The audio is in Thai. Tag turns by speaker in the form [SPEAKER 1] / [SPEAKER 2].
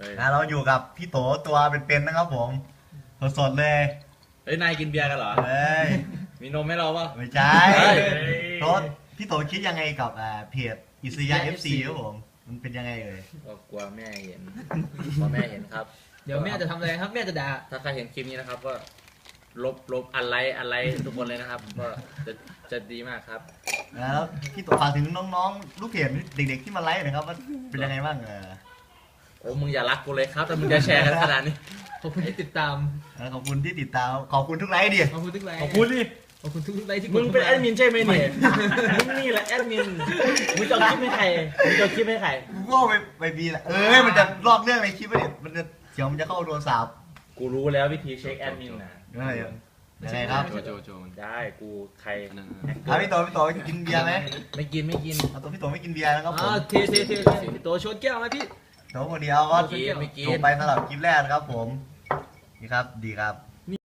[SPEAKER 1] เราอยู่กับพี่โตตัวเป็นๆนะครับผมสดๆเลย
[SPEAKER 2] เฮ้ยนายกินเบียร์กันเหรอ
[SPEAKER 1] เฮ้ย
[SPEAKER 2] มีนมให้เราป่ะ
[SPEAKER 1] ไม่ใช่
[SPEAKER 2] เฮ้ย
[SPEAKER 1] โตพี่โตคิดยังไงกับเพจอิสยา FC ครับผมมันเป็นยังไงเอ่ย
[SPEAKER 2] ก็กลัวแม่เห็นกลัวแม่เห็นครับ
[SPEAKER 3] เดี๋ยวแม่จะทำอะไรครับแม่จะด่า
[SPEAKER 2] ถ้าใครเห็นคลิปนี้นะครับก็ลบอะไรทุกคนเลยนะครับ ก็จะดีมากครับ
[SPEAKER 1] แล้วพี่โตฝากถึงน้องๆลูกเพจเด็กๆที่มาไลฟ์หนะครับว่าเป็นยังไงบ้าง
[SPEAKER 2] โอ้มึงอย่ารักกูเลยครับแต่มึงจะแชร์กันขนาดนี้
[SPEAKER 3] ขอบคุณที่ติดตาม
[SPEAKER 1] ขอบคุณที่ติดตามขอบคุณทุกไลฟ์ดิ
[SPEAKER 3] ขอบคุณทุกไลค์
[SPEAKER 2] ขอบคุณดิ
[SPEAKER 3] ขอบคุณทุกไลค์ที่ก
[SPEAKER 2] มึงเป็น
[SPEAKER 3] ข้าา
[SPEAKER 2] แอดมินใช่ไหมเนี่ยมึงนี่แหละแอดมินมึงจะเอาคลิปให้ใครมึงจะเอาคลิปให้ใคร
[SPEAKER 1] กูว่าไปบีแหละมันจะลอกเรื่องในคลิปไปดิมันจะเสียงมันจะเข้าโทรศัพท์
[SPEAKER 2] กูรู้แล้ววิธีเช็คแอดมินนะ
[SPEAKER 1] ยังไงครับ
[SPEAKER 4] โจมัน
[SPEAKER 2] ได้กูใคร
[SPEAKER 1] พี่โตกินเบียร์ไหม
[SPEAKER 2] ไม่กิน
[SPEAKER 1] เอาตัวพี่โตไม่กินเบียร์นะครับผม
[SPEAKER 3] เทพี่โตชนแก้วไหมพี่
[SPEAKER 1] โตคนเดียวก็
[SPEAKER 2] ไม่กิน
[SPEAKER 1] จบไปสำหรับคลิปแรกนะครับผมนี่ครับดีครับ